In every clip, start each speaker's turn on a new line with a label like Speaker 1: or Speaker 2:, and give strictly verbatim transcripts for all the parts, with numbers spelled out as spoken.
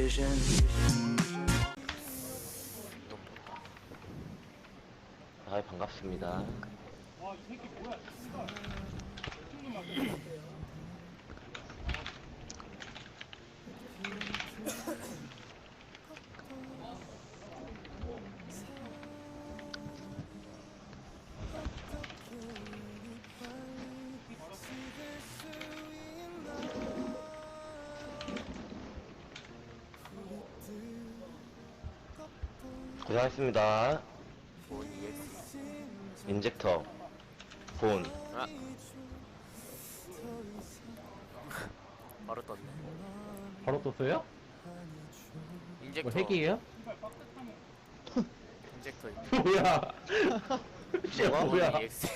Speaker 1: 아, 반갑습니다. 고생하셨습니다. 인젝터 본
Speaker 2: 아. 바로 떴네.
Speaker 3: 바로 떴어요?
Speaker 2: 인젝터.
Speaker 3: 뭐 핵이에요?
Speaker 2: 인젝터.
Speaker 3: 뭐야? 진짜
Speaker 2: 뭐가?
Speaker 3: 뭐야?
Speaker 2: 이엑스.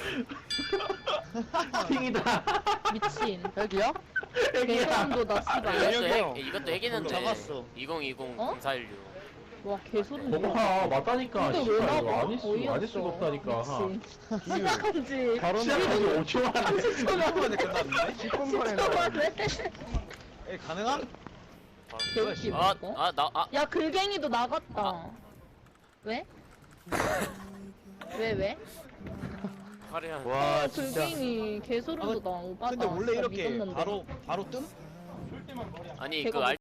Speaker 3: 핑이다.
Speaker 4: 미친.
Speaker 5: 여기야?
Speaker 3: 핵이야.
Speaker 4: 개소름도 나 씨발.
Speaker 2: 이것도
Speaker 5: 여기요.
Speaker 2: 핵, 이것도 핵이는데.
Speaker 5: 잡았어.
Speaker 2: 이천이십
Speaker 4: 어?
Speaker 2: 공사일육.
Speaker 4: 와 개소름.
Speaker 3: 뭐가 맞다니까.
Speaker 4: 근데 왜
Speaker 3: 씨발, 이거
Speaker 4: 나가?
Speaker 3: 아닐 수 아닐 수가 없다니까.
Speaker 4: 미친. 시작한 지
Speaker 5: 바로
Speaker 3: 시작한 지 오 초 만에.
Speaker 5: 십 분 만에 끝났는데? 십 분 만에
Speaker 4: 십 초 만에.
Speaker 5: 에 가능함?
Speaker 4: 개웃기네
Speaker 2: 아,
Speaker 4: 이거.
Speaker 2: 아, 나, 아.
Speaker 4: 야 글갱이도 나갔다. 왜? 왜 왜?
Speaker 2: 화려한.
Speaker 5: 와
Speaker 4: 아, 글갱이 개소름도 나. 오빠
Speaker 5: 근데 원래 이렇게
Speaker 4: 믿었는데.
Speaker 5: 바로 바로 뜸?
Speaker 2: 아니,
Speaker 4: 걔가
Speaker 2: 그 알.